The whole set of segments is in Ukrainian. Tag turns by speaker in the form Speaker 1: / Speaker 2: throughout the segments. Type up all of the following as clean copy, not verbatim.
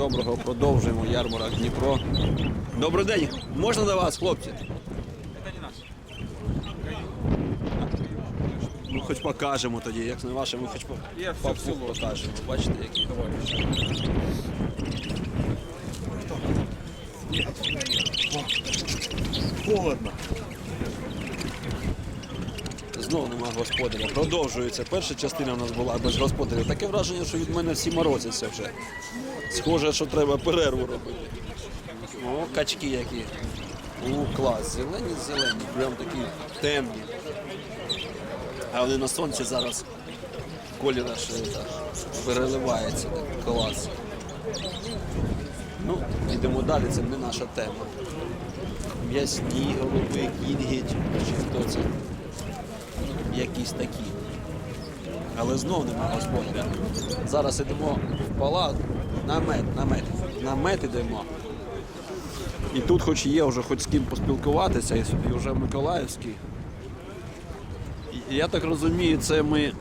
Speaker 1: доброго, продовжуємо ярмарок Дніпро. Добрий день, можна до вас, хлопці?
Speaker 2: Это не наш.
Speaker 1: Ну, хоч покажемо тоді, як не ваше, ми хоч
Speaker 2: Я все в село.
Speaker 1: покажемо. Бачите, які товариші.
Speaker 3: Холодно.
Speaker 1: Знову нема господаря. Продовжується. Перша частина у нас була без господарів. Таке враження, що від мене всі морозяться вже. Схоже, що треба перерву робити. О, качки які. Клас. Зелені, прям такі темні. А вони на сонці зараз колір аж переливається. Так, клас. Ну, йдемо далі, це не наша тема. М'ясні голуби, кінгідь, чи хто це? Якісь такі. Але знов нема господаря. Зараз йдемо в палат, намет йдемо. І тут хоч є вже хоч з ким поспілкуватися, і вже Миколаївський. І я так розумію, це ми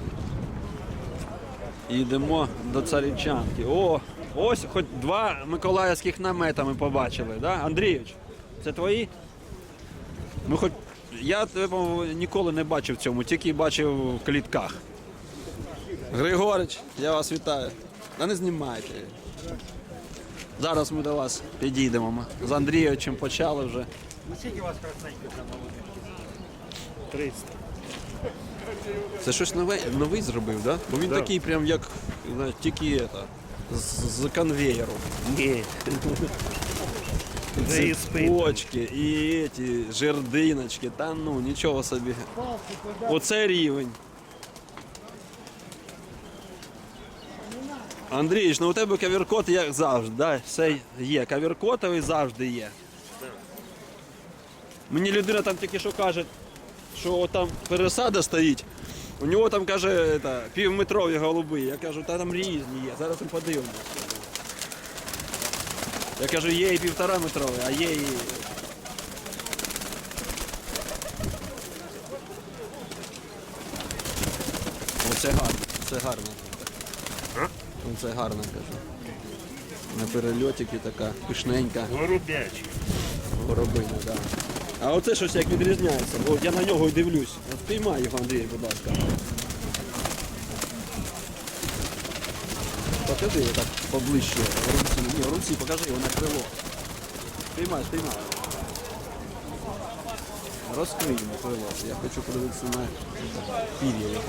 Speaker 1: йдемо до Царичанки. О, ось хоч два миколаївських намета ми побачили, да? Андрійович, це твої? Ну, хоч я тебе, по-моєму, ніколи не бачив в цьому, тільки бачив в клітках. Григорич, я вас вітаю. Та не знімайте. Зараз ми до вас підійдемо. Ми з Андрійовичем почали вже.
Speaker 3: Скільки у вас красненьких на молоді? 300.
Speaker 1: Це щось новий зробив, да? Бо він
Speaker 3: Да.
Speaker 1: такий прям як, знаєш, тільки з конвеєру.
Speaker 3: Ні. Вже і спить.
Speaker 1: Цепочки, і ці жердиночки, та ну, нічого собі. Оце рівень. Андрійович, ну у тебе кавіркот як завжди, да? Все є. Кавіркотовий завжди є. Мені людина там тільки що каже, що там пересада стоїть. У нього там, каже, півметрові голуби. Я кажу, та там різні є. Зараз ми подивимося. Я кажу, є і 1,5 метрові, а є і... Оце гарно, це гарно. Оце гарно, кажу. На перельотики така пишненька
Speaker 3: Голубячі.
Speaker 1: горобина, так. Да. А оце щось як відрізняється. От я на нього і дивлюсь. От спіймай його, Андрій, будь ласка. Покажи так поближче. Руці. Ні, руці, покажи його на крило. Спіймай. Розкрий йому крило. Я хочу подивитися на пір'я його.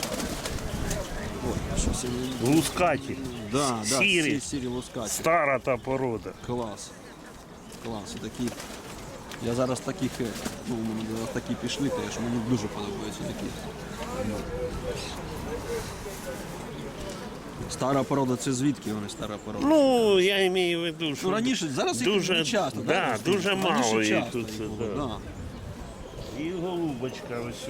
Speaker 1: Ой, щось я не...
Speaker 3: Лускаті.
Speaker 1: Да,
Speaker 3: Сірі.
Speaker 1: сірі лускаті.
Speaker 3: Стара та порода.
Speaker 1: Клас. Такі. Я зараз таких, ну, у мене зараз такі пішли, теж мені дуже подобаються такі. Стара порода, це звідки вони стара порода?
Speaker 3: Ну, я маю в виду, що
Speaker 1: Ну раніше, зараз їх
Speaker 3: дуже
Speaker 1: не часто.
Speaker 3: да, дуже мало їх
Speaker 1: часто
Speaker 3: тут.
Speaker 1: їх було,
Speaker 3: Да.
Speaker 1: да.
Speaker 3: І голубочка ось.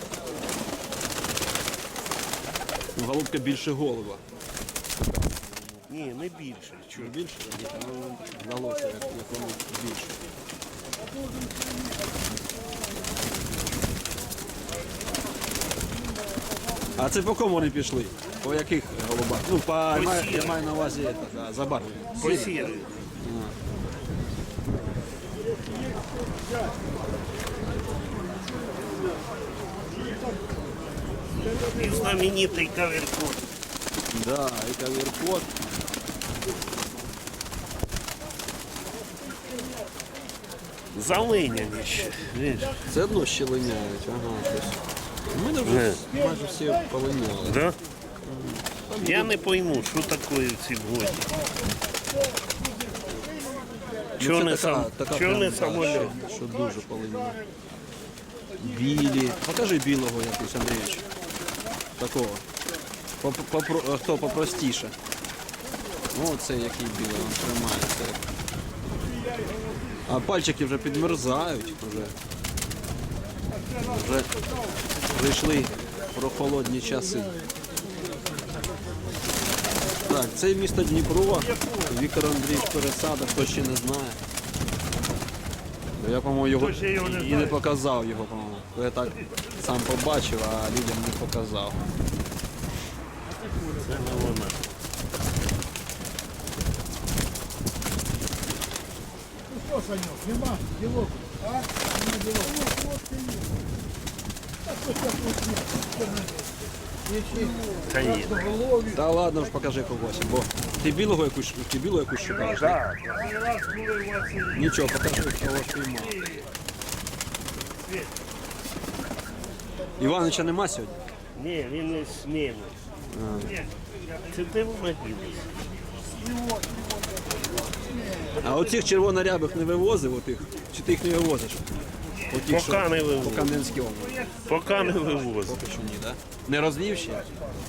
Speaker 1: Ну, голубка більше голуба.
Speaker 3: Ні, не більше. Чого?
Speaker 1: Більше, ну, вдалося, як воно більше. А це по кому вони пішли? По яких голубах? Ну, я маю на увазі забарвлення.
Speaker 3: Посіли. І знаменитий каверкот.
Speaker 1: Да, і кавіркот.
Speaker 3: Залиняні ще. Видиш?
Speaker 1: Це одно ще линяють, ага, щось. У мене вже майже всі полиняли.
Speaker 3: Да? Я не пойму, що таке в цій годі. Чого не, чого не самоліт?
Speaker 1: Що дуже полиняли. Білі. Покажи білого якусь, Андрійович. Такого. Хто попростіше. О, це який білий, він тримається. А пальчики вже підмерзають. Вже прийшли прохолодні часи. Так, це місто Дніпро. Віктор Андрійович Пересада, хто ще не знає. Я, по-моєму, його і не показав його, по-моєму. Я так сам побачив, а людям не показав.
Speaker 3: Це не вона.
Speaker 4: Що, Саньок, нема ділок? А? Нема ділок.
Speaker 3: Та ні.
Speaker 1: Та ладно ж покажи когось, бо ти білого якусь, ти білу якусь шукаєш? Так. Нічого, покажи, кого ж піймав. Іванича нема сьогодні?
Speaker 3: Ні, він не сміє. Це де вона ділась?
Speaker 1: А оцих червонорябих не вивозив, отих? Чи ти їх не вивозиш? Отих,
Speaker 3: Поки не
Speaker 1: по
Speaker 3: вивозив.
Speaker 1: Кам'янській області.
Speaker 3: Поки не вивозив.
Speaker 1: Поки що ні, так? Не розвів ще?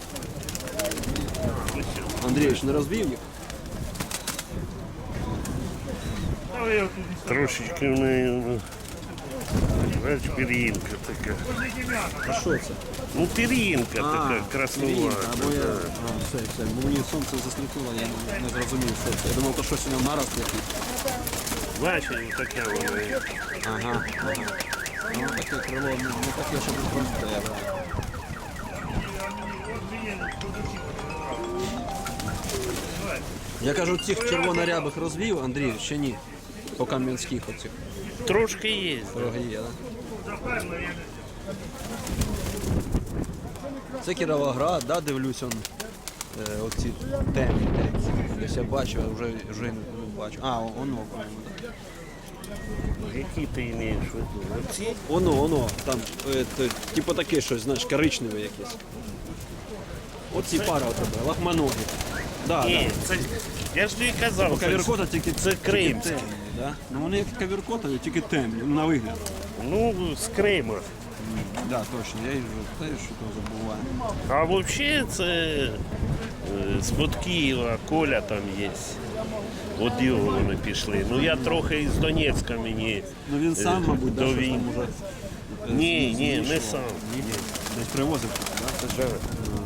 Speaker 1: Андрійович, не розвів їх?
Speaker 3: Трошечки в неї, ну, знаєш, пір'їнка така.
Speaker 1: А що це?
Speaker 3: Ну, пір'їнка така,
Speaker 1: Пір'їнка,
Speaker 3: краснувата.
Speaker 1: або я... все, бо мені сонце засліпило, я не зрозумів, що це. Я думав, то щось у нього нарост якийсь.
Speaker 3: Бачиш, таке воно є.
Speaker 1: Ага. Ну, таке крило, не таке, щоб просто я брав. Я кажу, цих червонорябих розвів, Андрій, ще ні. По кам'янських оцих.
Speaker 3: Трошки є.
Speaker 1: Дорогі є, так? Це Кіровоград, да, дивлюсь, оці темні. Десь я бачу, а вже не бачу. А, воно, по-моєму, так.
Speaker 3: Які ти маєш в виду? Оці?
Speaker 1: Воно, там, типу таке щось, знаєш, коричневе якесь. Оці пара у тебе, лахманогі. Да,
Speaker 3: Ні, це, я ж тобі казав, це,
Speaker 1: Кавіркота тільки
Speaker 3: це кримські.
Speaker 1: темні, да? Ну вони як кавіркота, тільки темні, на вигляд.
Speaker 3: Ну, з Крима.
Speaker 1: Да, точно, я їх вже теж що забуваю.
Speaker 3: А взагалі це з-под Києва, Коля там є. От його вони пішли. Ну я трохи із Донецька мені.
Speaker 1: Ну він сам, мабуть, да,
Speaker 3: до
Speaker 1: щось
Speaker 3: війни.
Speaker 1: там уже.
Speaker 3: Ні, не сам.
Speaker 1: Десь привозив, да? Це ж-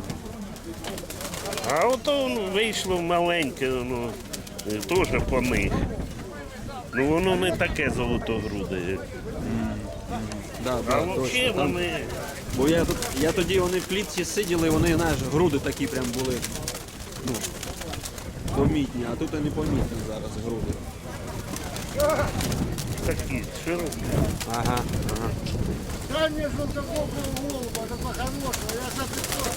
Speaker 3: А ото ну, вийшло маленьке, ну, теж по них. Ну воно не таке золотогруде. Як.
Speaker 1: Да,
Speaker 3: А
Speaker 1: да,
Speaker 3: взагалі
Speaker 1: точно. Там-
Speaker 3: вони.
Speaker 1: Бо я тоді вони в клітці сиділи, вони, знаєш, груди такі прям були. Ну, помітні, а тут і не помітні зараз груди.
Speaker 3: Такі широкі.
Speaker 1: Ага.
Speaker 4: Дай мне желтоглазого голуба, такого хорошего, я за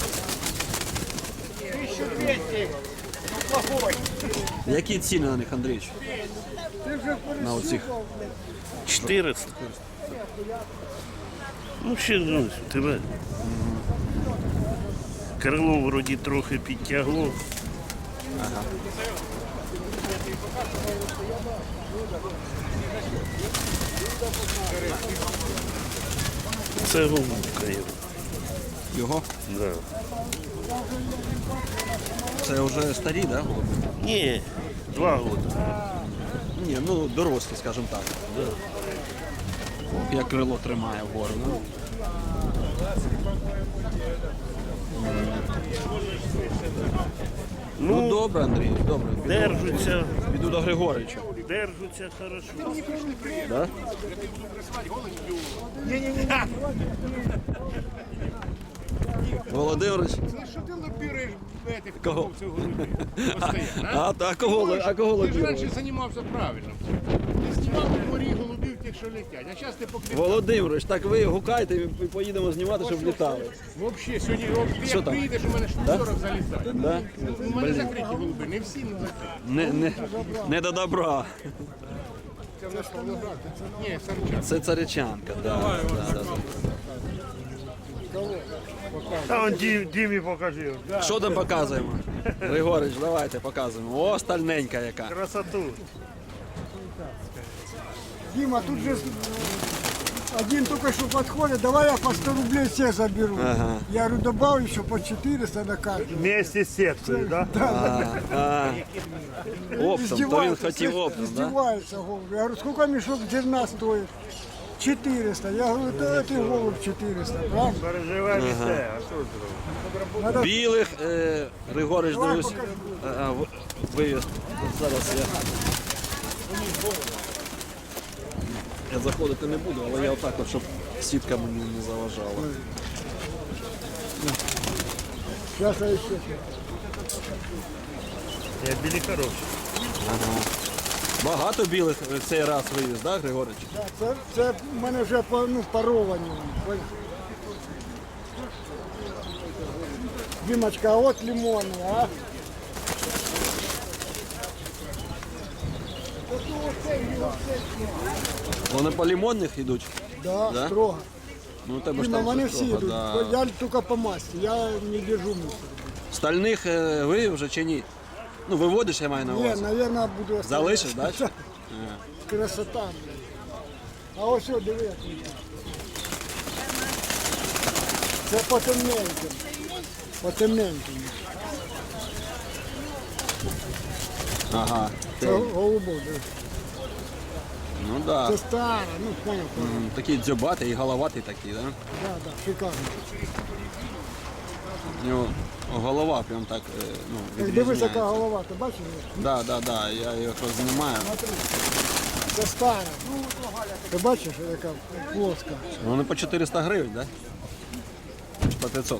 Speaker 4: 1200, ну плохой.
Speaker 1: Які ціни на них, Андрійович?
Speaker 4: Ты же
Speaker 1: На оцих?
Speaker 3: 400. Ну, ще ну, тебе. Крило вроді трохи підтягло. Це голубка його.
Speaker 1: Його?
Speaker 3: Да.
Speaker 1: Це вже старі, да, голуби?
Speaker 3: Ні, 2 роки.
Speaker 1: Ні, ну дорослі, скажімо так. Як крило тримає вгору, ну. Ну
Speaker 3: Ну,
Speaker 1: добре, Андрій, добре.
Speaker 3: держаться,
Speaker 1: Піду до Григорича.
Speaker 3: держаться хорошо.
Speaker 1: Да? Володимирович,
Speaker 4: Что ты лоббируешь этих
Speaker 1: Кого?
Speaker 4: торговцев голубей? Постоянно,
Speaker 1: а кого
Speaker 4: Ти ж
Speaker 1: лобіруєш?
Speaker 4: раніше займався правильно. Ти знімав у морі голубів тих, що летять. А зараз ти покрив.
Speaker 1: Володимирович, так ви гукайте і поїдемо знімати, щоб літали.
Speaker 4: Взагалі, сьогодні ти
Speaker 1: Що
Speaker 4: як
Speaker 1: там?
Speaker 4: приїдеш, у мене штук 40 залітає.
Speaker 1: Да?
Speaker 4: У мене закриті голуби, не всі не закриті.
Speaker 1: Не до добра.
Speaker 4: Це в нас Павлоград. Ні, Сарчак.
Speaker 1: Це царичанка, да.
Speaker 5: Та он Дімі покажи.
Speaker 1: Що там показуємо? Григорич, давайте показуємо. О, стальненька яка.
Speaker 5: Красоту.
Speaker 4: Дима, тут же один только что подходит, давай я по 100 рублей все заберу. Я говорю, добавлю еще по 400 на каждого.
Speaker 5: Вместе з сеткою, да?
Speaker 1: Оптом, то він хотів оптом, да?
Speaker 4: Издевается голубь. Я говорю, сколько мешок зерна стоит? 400. Я говорю, да это голубь 400, правда?
Speaker 5: Переживай все, а що зробити?
Speaker 4: Надо
Speaker 1: Білих, Григорич,
Speaker 4: Давай
Speaker 1: дивлюсь,
Speaker 4: покажу.
Speaker 1: вивіз. Зараз я заходити не буду, але я отак от, щоб сітка мені не заважала.
Speaker 4: Сейчас я еще.
Speaker 5: Я білі хороші.
Speaker 1: Багато білих цей раз вивіз, так, Григорич?
Speaker 4: Це в мене вже паровані. вони. Дімочка, а от лимони, а?
Speaker 1: Вони по лимонних йдуть?
Speaker 4: Да,
Speaker 1: Да?
Speaker 4: строго.
Speaker 1: Ну, у тебе ж
Speaker 4: Дима,
Speaker 1: там
Speaker 4: вони
Speaker 1: все
Speaker 4: всі
Speaker 1: строго,
Speaker 4: йдуть.
Speaker 1: да.
Speaker 4: Я тільки по масті, я не держу мусор.
Speaker 1: Стальних вивів вже чи ні? Ну, виводиш, я маю на
Speaker 4: Ні,
Speaker 1: увазі.
Speaker 4: мабуть, буду оставляти.
Speaker 1: Залишиш, да?
Speaker 4: Красота, блядь. А ось що, диви, як він. Це потемненьким. Потемненьким.
Speaker 1: Ага.
Speaker 4: Це голубок, диви.
Speaker 1: Ну да.
Speaker 4: Це стара, ну понял, понял.
Speaker 1: Такий дзьобатий і головатий такий, да?
Speaker 4: Да, шикарно.
Speaker 1: У нього голова прям так,
Speaker 4: Як дивись, яка
Speaker 1: відрізняється.
Speaker 4: голова, ти бачиш?
Speaker 1: Да, я його знімаю.
Speaker 4: Це стара. Ти бачиш, яка плоска.
Speaker 1: Вони по 400 гривень, да? Чи по 500?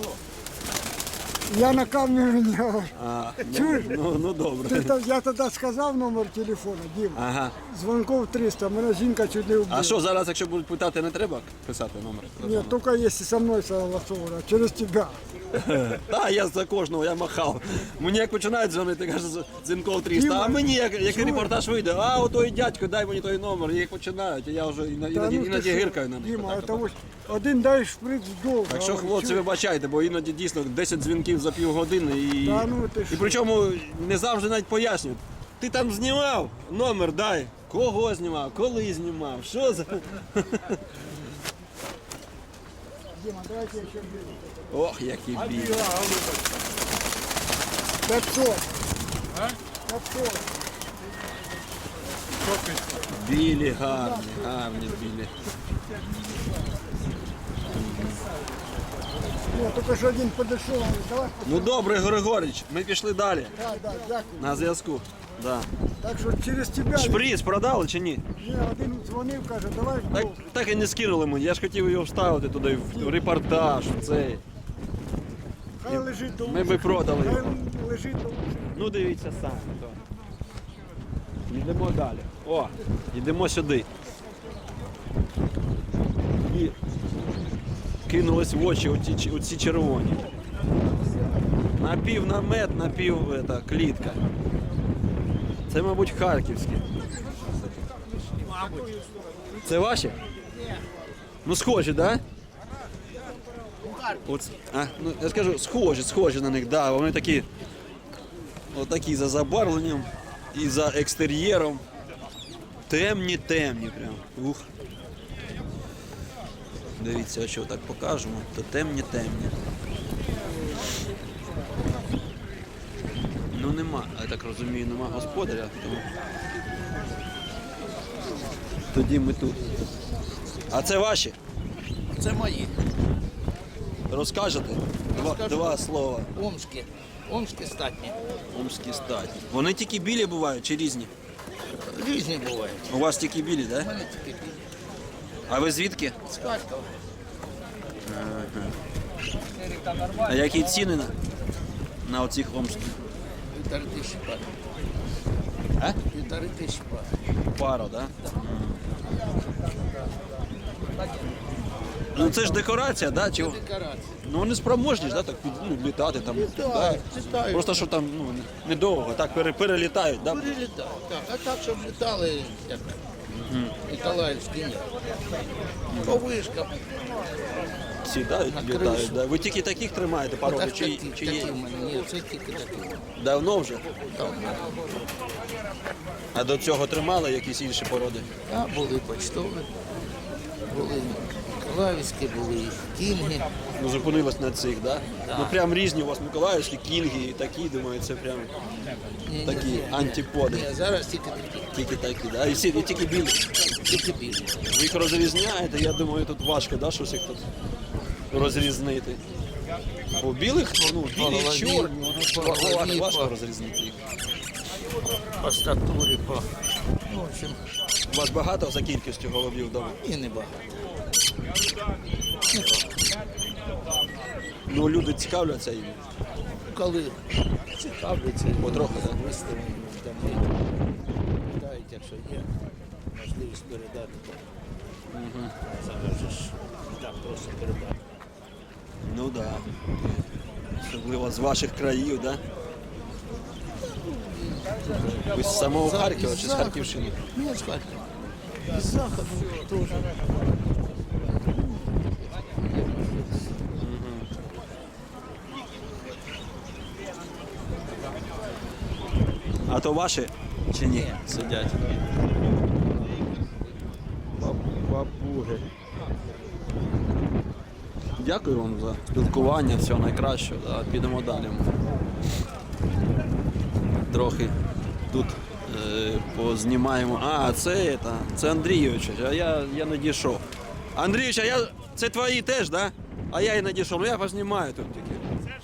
Speaker 4: Я на камеру не говорю.
Speaker 1: А,
Speaker 4: Чуєш?
Speaker 1: ну добре.
Speaker 4: Я тоді сказав номер телефону, Дім.
Speaker 1: Ага.
Speaker 4: Дзвонков 300, мене жінка чуть не вбила.
Speaker 1: А що, зараз, якщо будуть питати, не треба писати номер?
Speaker 4: Ні, тільки якщо со мною согласовано, а через тебе.
Speaker 1: Так, я за кожного, я махав. Мені як починають дзвонити, каже, Зінков 300,
Speaker 4: Діма,
Speaker 1: а мені як
Speaker 4: чуєш?
Speaker 1: репортаж вийде, а от той дядько, дай мені той номер, і як починають, і я вже іноді гиркаю на них.
Speaker 4: Діма,
Speaker 1: отак,
Speaker 4: це
Speaker 1: отак.
Speaker 4: ось один дай шприц довго.
Speaker 1: Так що, хлопці, вибачайте, бо іноді дійсно 10 дзвінків за півгодини і,
Speaker 4: Та ну ти
Speaker 1: і
Speaker 4: що?
Speaker 1: причому не завжди навіть пояснюють. Ти там знімав? Номер дай. Кого знімав? Коли знімав? Що за.
Speaker 4: Діма, давайте я ще бігу.
Speaker 1: Ох, які білі.
Speaker 4: 500. 500.
Speaker 1: Білі, гарні білі.
Speaker 4: Ні, тільки що один подійшов, давай.
Speaker 1: Ну добре, Григорич, ми пішли далі.
Speaker 4: Так, так, дякую.
Speaker 1: На зв'язку. Да.
Speaker 4: Так що через тебе.
Speaker 1: Шприц продали чи ні?
Speaker 4: Ні, один дзвонив, каже, давай
Speaker 1: Так,
Speaker 4: вдвох.
Speaker 1: так і не скинули мені. Я ж хотів його вставити туди в репортаж, в цей.
Speaker 4: Хай лежить до
Speaker 1: Ми би продали
Speaker 4: Хай
Speaker 1: його.
Speaker 4: лежить до ушей.
Speaker 1: Ну дивіться самі. То. Йдемо далі. О, йдемо сюди. І кинулись в очі оці червоні. Напів намет, напів клітка. Це, мабуть, харківські. Це ваші? Ну, схожі, так? Да? Ну, я скажу, схожі на них, да. Вони такі, отакі за забарвленням і за екстер'єром. Темні прям. Ух. Дивіться, що так покажемо, то темні. Ну нема, я так розумію, нема господаря, тому тоді ми тут. А це ваші?
Speaker 6: Це мої.
Speaker 1: Розкажете? Два слова.
Speaker 6: Омські. Омські статні.
Speaker 1: Омські статі. Вони тільки білі бувають чи різні?
Speaker 6: Різні бувають.
Speaker 1: У вас тільки білі, так?
Speaker 6: У мене тільки білі.
Speaker 1: А ви звідки?
Speaker 6: З Харкова.
Speaker 1: А які ціни на оцих омських?
Speaker 6: 1500 пар.
Speaker 1: А?
Speaker 6: 1500 пар.
Speaker 1: Пара, так? Ну це ж декорація, да? Чи...
Speaker 6: Декорації.
Speaker 1: Ну вони спроможні ж, да? Так літати там. Да?
Speaker 6: Літають.
Speaker 1: Просто що там недовго, так перелітають, да?
Speaker 6: Перелітають. Так. А так, щоб літали, як Ніколаївські ні. По вишкам.
Speaker 1: Всі, да,
Speaker 6: На
Speaker 1: літають.
Speaker 6: кришу.
Speaker 1: Да? Ви тільки таких тримаєте породи,
Speaker 6: Так,
Speaker 1: чи є?
Speaker 6: такі в мене. Ні, це тільки такі.
Speaker 1: Давно вже?
Speaker 6: Так.
Speaker 1: А до цього тримали якісь інші породи?
Speaker 6: А були почтові, були Ніколаївські, були кінги.
Speaker 1: Ну, зупинилось на цих, да? Ну прям різні у вас миколаївські, кінги і такі, думаю, це прям
Speaker 6: Ні,
Speaker 1: такі
Speaker 6: ні,
Speaker 1: антиподи.
Speaker 6: ні, зараз тільки такі.
Speaker 1: Тільки такі, да? І тільки білі.
Speaker 6: Тільки білі.
Speaker 1: Ви їх розрізняєте, я думаю, тут важко, да, щось їх тут розрізнити. Бо білих, ну, білі
Speaker 6: голові,
Speaker 1: і чорні,
Speaker 6: по голові,
Speaker 1: важко
Speaker 6: по-
Speaker 1: розрізнити їх.
Speaker 6: По статурі, по... Ну, в общем,
Speaker 1: У вас багато за кількістю голубів вдома?
Speaker 6: і небагато.
Speaker 1: Ну, люди цікавляться їм.
Speaker 6: Коли цікавляться,
Speaker 1: Потроху, так?
Speaker 6: виставлені, там, якщо є можливість передати, то зараз же ж так просто передати.
Speaker 1: Ну так. Да. Особливо з ваших країв, так? Да? Ви з самого Харкова чи з Харківщини?
Speaker 6: Ні, з Харкова. З Заходу теж.
Speaker 1: А то ваші чи ні? Сидять. Папуги. Дякую вам за спілкування, всього найкращого. Да, підемо далі. Трохи тут познімаємо. А, це Андрійович, а я не дійшов. Андрійович, а це твої теж, так? Да? А я і не дійшов. Ну я познімаю тут тільки.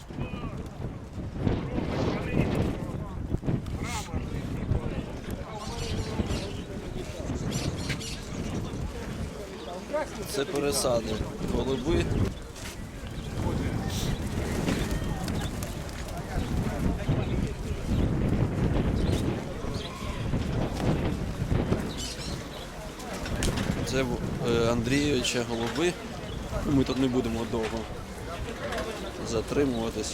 Speaker 1: Це пересади. Голуби. Це Андрійовича голуби. Ми тут не будемо довго затримуватись.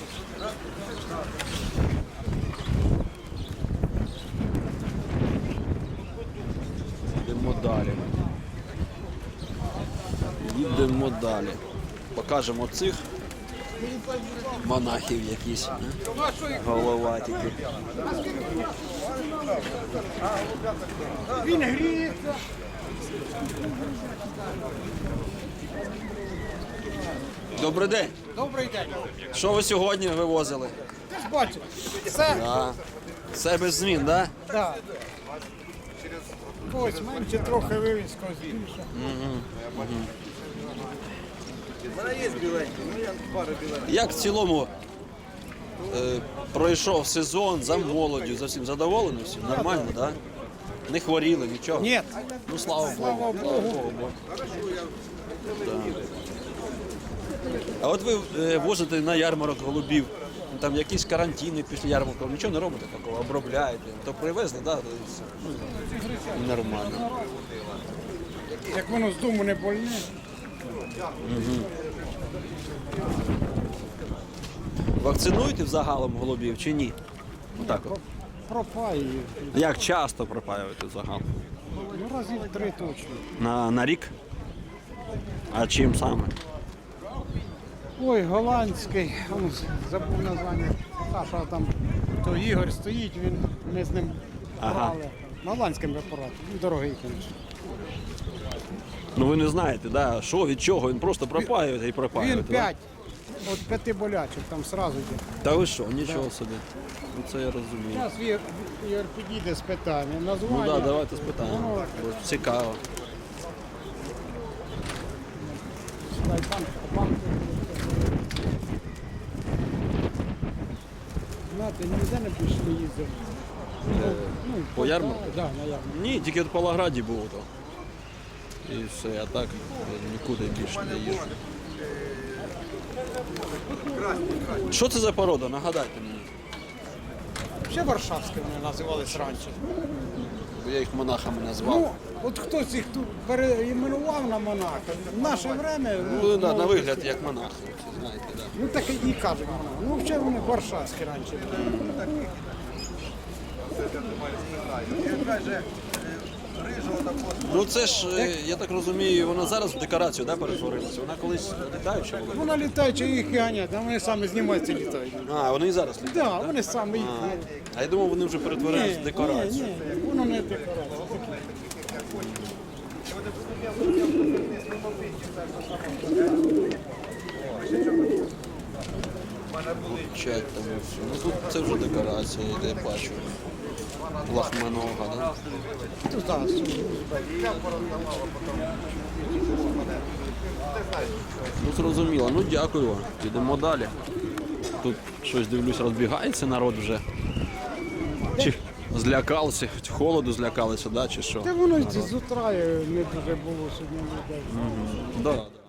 Speaker 1: Йдемо далі. Їдемо далі. Покажемо цих монахів якісь. Головатики.
Speaker 4: Він гріється.
Speaker 1: Добрий день.
Speaker 7: Добрий день.
Speaker 1: Що ви сьогодні вивозили?
Speaker 7: Ти ж бачиш, це
Speaker 1: Да. Все без змін, так? Да?
Speaker 7: да. Ось менше трохи вивізка збільше.
Speaker 1: Як в цілому пройшов сезон за молоддю, за всім задоволені всім? Нормально, так? Да? Не хворіли, нічого?
Speaker 7: Ні,
Speaker 1: Ну слава Богу. Слава Богу. Да. А от ви возите на ярмарок голубів, там якісь карантини після ярмарку, нічого не робите такого, обробляєте. То привезли, так? Да? Ну, нормально.
Speaker 7: як воно з дому не больне.
Speaker 1: Вакцинуєте взагалом голубів чи ні? Отак от.
Speaker 7: Пропає.
Speaker 1: Як часто пропаюєте загалом?
Speaker 7: Ну, разів 3 точно.
Speaker 1: На рік? А чим саме?
Speaker 7: Ой, голландський, он забув названня. Саша там, то Ігор стоїть, ми з ним брали. На голландським препаратом. Він дорогий, звісно.
Speaker 1: Ну ви не знаєте, да? Що, від чого? Він просто пропаює і пропаює.
Speaker 7: Він 5. От 5 болячок там сразу йде.
Speaker 1: Та ви що, нічого собі. Ну це я розумію.
Speaker 7: Зараз Ігор підійде з питання.
Speaker 1: Ну
Speaker 7: Названня.
Speaker 1: так, да, давайте спитаємо.
Speaker 7: Воно-
Speaker 1: Бо цікаво.
Speaker 7: Дай пан. Знаєте, ніде не пішли їздити.
Speaker 1: По ярмарку?
Speaker 7: Так, на ярмарку.
Speaker 1: Ні, тільки в Павлограді було то. І все, а так нікуди більше не їжджу. Що це за порода? Нагадайте мені.
Speaker 7: Ще Варшавські вони називались раніше.
Speaker 1: Бо я їх монахами назвав.
Speaker 7: Ну, от хтось їх тут переіменував на монаха. В наше время...
Speaker 1: Ну, да, на вигляд як монахи, знаєте, да.
Speaker 7: Ну так і кажуть монах. Ну, взагалі вони Варшавські раніше були.
Speaker 1: Ну це ж, я так розумію, вона зараз в декорацію, да, перетворилася? Вона колись літаюча була?
Speaker 7: Вона літаюча, їх і ганять, а вони самі знімаються літають.
Speaker 1: А, вони і зараз літають?
Speaker 7: Так, да, вони самі їх.
Speaker 1: А я думав, вони вже перетворились в декорацію.
Speaker 7: Ні, воно не декорація.
Speaker 1: Чать там і все. Ну тут це вже декорація, я бачу. Лахманога, да?
Speaker 7: Тут так,
Speaker 1: Ну зрозуміло, ну дякую вам. Підемо далі. Тут щось дивлюсь, розбігається народ вже. Чи злякалися, холоду злякалися, да, чи що?
Speaker 7: Та воно з утра не дуже було сьогодні людей.
Speaker 1: Да, да.